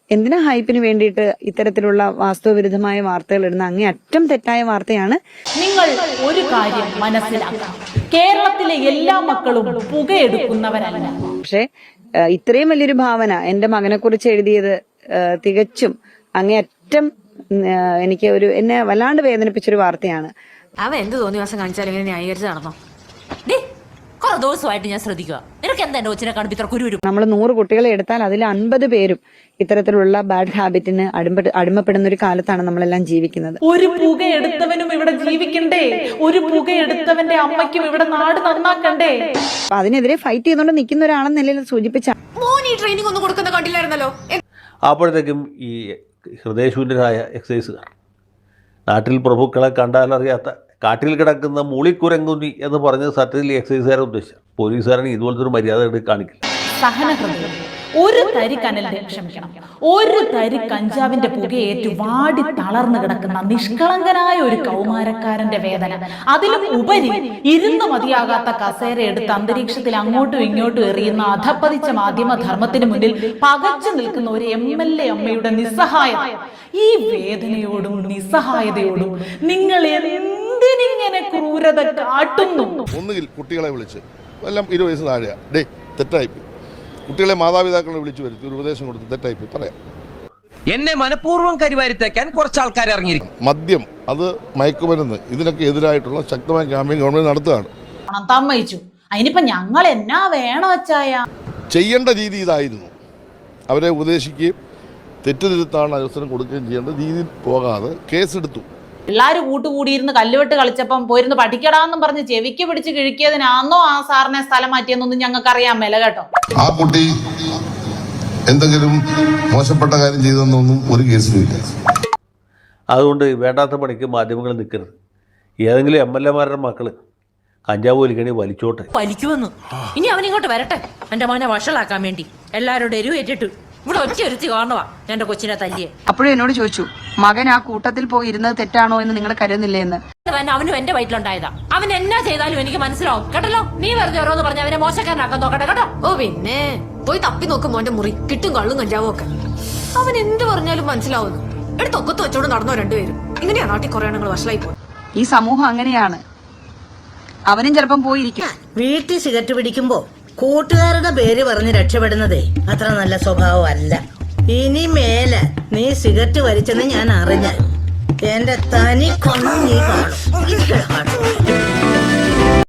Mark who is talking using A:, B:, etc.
A: എന്തിനാ ഹൈപ്പിന് വേണ്ടിയിട്ട് ഇത്തരത്തിലുള്ള വാസ്തവവിരുദ്ധമായ വാർത്തകൾ ഇടുന്ന അങ്ങേയറ്റം തെറ്റായ വാർത്തയാണ്.
B: നിങ്ങൾ ഒരു കാര്യം മനസ്സിലാക്കണം, കേരളത്തിലെ എല്ലാ മക്കളും പുകയെടുക്കുന്നവരല്ല.
A: പക്ഷെ ഇത്രയും വലിയൊരു ഭാവന എന്റെ മകനെ കുറിച്ച് എഴുതിയത് തികച്ചും അങ്ങേയറ്റം എനിക്ക് എന്നെ വല്ലാണ്ട് വേദനിപ്പിച്ചൊരു വാർത്തയാണ്.
C: അവൻ എന്ത് തോന്നിയ ദിവസം കാണിച്ചാലും ഇങ്ങനെ ന്യായീകരിച്ച് നടന്നോ? കുറെ ദിവസമായിട്ട് ഞാൻ ശ്രദ്ധിക്കുക, നിനക്ക് എന്താ എന്റെ കൊച്ചിനെ കാണുമ്പോൾ ഇത്ര കുരു?
A: നമ്മൾ 100 കുട്ടികളെ എടുത്താൽ അതിൽ 50 പേരും ഇത്തരത്തിലുള്ള ബാഡ് ഹാബിറ്റിന് അടിമപ്പെടുന്ന ഒരു കാലത്താണ് നമ്മളെല്ലാം ജീവിക്കുന്നത്.
B: ഒരു പുകയെടുത്തവനും ഇവിടെ ജീവിക്കണ്ടേ? ഒരു പുകയെടുത്തവന്റെ അമ്മയ്ക്കും ഇവിടെ നാട് നന്നാക്കണ്ടേ?
A: അപ്പൊ അതിനെതിരെ ഫൈറ്റ് ചെയ്തുകൊണ്ട് നിൽക്കുന്ന ഒരാളെന്ന നിലയിൽ സൂചിപ്പിച്ച
C: ട്രെയിനിങ് ഒന്നും കൊടുക്കുന്ന കണ്ടില്ലായിരുന്നല്ലോ.
D: അപ്പോഴത്തേക്കും ഈ ഹൃദയശൂന്യരായ എക്സൈസുകാർ, നാട്ടിൽ പ്രഭുക്കളെ കണ്ടാലറിയാത്ത കാട്ടിൽ കിടക്കുന്ന മൂളിക്കുരങ്ങുന്നി എന്ന് പറഞ്ഞത് സത്യത്തിൽ എക്സൈസുകാരെ ഉദ്ദേശിച്ച പോലീസുകാരനെ ഇതുപോലത്തെ ഒരു മര്യാദ കാണിക്കില്ല.
B: സഹനഹൃദയം, ഒരു തരി കനലിന്റെ ക്ഷമിക്കണം, ഒരു തരി കഞ്ചാവിന്റെ പുകയേറ്റ് വാടി തളർന്നു കിടക്കുന്ന നിഷ്കളങ്കനായ ഒരു കൗമാരക്കാരന്റെ വേദന, അതിലും ഉപരി ഇരുന്ന് മതിയാകാത്ത കസേര എടുത്ത് അന്തരീക്ഷത്തിൽ അങ്ങോട്ടും ഇങ്ങോട്ടും എറിയുന്ന അധപ്പതിച്ച മാധ്യമധർമ്മത്തിന് മുന്നിൽ പകച്ചു നിൽക്കുന്ന ഒരു MLA അമ്മയുടെ നിസ്സഹായത, ഈ വേദനയോടും നിസ്സഹായതയോടും നിങ്ങൾ എന്തിനിങ്ങനെ ക്രൂരത കാട്ടുന്നു?
E: ഒന്നുകിൽ കുട്ടികളെ വിളിച്ച് എല്ലാം 20 വയസ്സ് താഴെയാ, ഡേ തെറ്റായി, കുട്ടികളെ മാതാപിതാക്കളെ വിളിച്ചു വരുത്തി ഒരു ഉപദേശം കൊടുത്ത് തെറ്റായി പറയാം.
F: എന്നെ മനഃപൂർവ്വം കരിവാരിത്തേക്കാൻ കുറച്ച് ആൾക്കാർ ഇറങ്ങിയിരിക്കും.
E: മദ്യം, അത് മയക്കുമരുന്ന്, ഇതിനൊക്കെ എതിരായിട്ടുള്ള ശക്തമായ ക്യാമ്പയിൻ ഗവൺമെന്റ് നടത്തുകയാണ്.
B: സമ്മതിച്ചു. അതിനിപ്പോ ഞങ്ങൾ എന്നാ വേണം വെച്ചായ?
E: ചെയ്യേണ്ട രീതി ഇതായിരുന്നു. അവരെ ഉപദേശിക്കുകയും തെറ്റുതിരുത്താണ് അവസരം കൊടുക്കുകയും ചെയ്യേണ്ട രീതിയിൽ പോകാതെ കേസെടുത്തു.
B: എല്ലാരും കൂട്ടുകൂടിയിരുന്ന് കല്ലുവെട്ട് കളിച്ചപ്പം പോയിരുന്ന് പഠിക്കടാന്നും പറഞ്ഞ് ചെവിക്ക് പിടിച്ച് കിഴിക്കിയതിനാന്നോ ആ സാറിനെ സ്ഥലം മാറ്റിയെന്നൊന്നും ഞങ്ങൾക്ക് അറിയാൻ മേല കേട്ടോ.
E: ആ കുട്ടി എന്തെങ്കിലും മോശപ്പെട്ട കാര്യം ചെയ്തെന്നൊന്നും ഒരു കേസിലുമില്ല.
D: അതുകൊണ്ട് വേണ്ടാത്ത പണിക്ക് മാധ്യമങ്ങൾ നിൽക്കരുത്. ഏതെങ്കിലും MLA-മാരുടെ മക്കള് കഞ്ചാവ് വലിക്കണി വലിച്ചോട്ടെ.
C: വലിക്കുമെന്ന് ഇനി അവൻ ഇങ്ങോട്ട് വരട്ടെ, എന്റെ മോനെ വഷളാക്കാൻ വേണ്ടി എല്ലാവരോടും എരിവേറ്റിട്ട് ഇവിടെ ഒറ്റയൊരുത്തി കാണുവാ എന്റെ കൊച്ചിനെ തല്ലിയെ.
A: അപ്പോഴും എന്നോട് ചോദിച്ചു, മകൻ ആ കൂട്ടത്തിൽ പോയി ഇരുന്നത് തെറ്റാണോ എന്ന് നിങ്ങൾ കരുതുന്നില്ലേ എന്ന്.
C: അവനും എന്റെ വയറ്റിലുണ്ടായതാ. അവൻ എന്നാ ചെയ്താലും എനിക്ക് മനസ്സിലാവും കേട്ടല്ലോ. നീ വെറുതെ ഓരോന്ന് പറഞ്ഞ അവനെ മോശക്കാരനാക്കാൻ നോക്കട്ടെ കേട്ടോ. ഓ പിന്നെ പോയി തപ്പി നോക്കും മോന്റെ മുറി, കിട്ടും കള്ളും കഞ്ചാവും ഒക്കെ. അവൻ എന്ത് പറഞ്ഞാലും മനസ്സിലാവുന്നു. എടുത്ത് ഒക്കത്ത് വെച്ചോട് നടന്നോ രണ്ടുപേരും. ഇങ്ങനെയാ നാട്ടിൽ കുറെ എണ്ണങ്ങൾ വഷളായി പോയി.
A: ഈ സമൂഹം അങ്ങനെയാണ്. അവനും ചിലപ്പം പോയിരിക്കും.
G: വീട്ടിൽ സിഗരറ്റ് പിടിക്കുമ്പോ കൂട്ടുകാരുടെ പേര് പറഞ്ഞ് രക്ഷപ്പെടുന്നതേ അത്ര നല്ല സ്വഭാവമല്ല. ഇനി മേലെ നീ സിഗരറ്റ് വലിച്ചെന്ന് ഞാൻ അറിഞ്ഞാൽ എന്റെ തനി കൊന്നു നീ കാണും.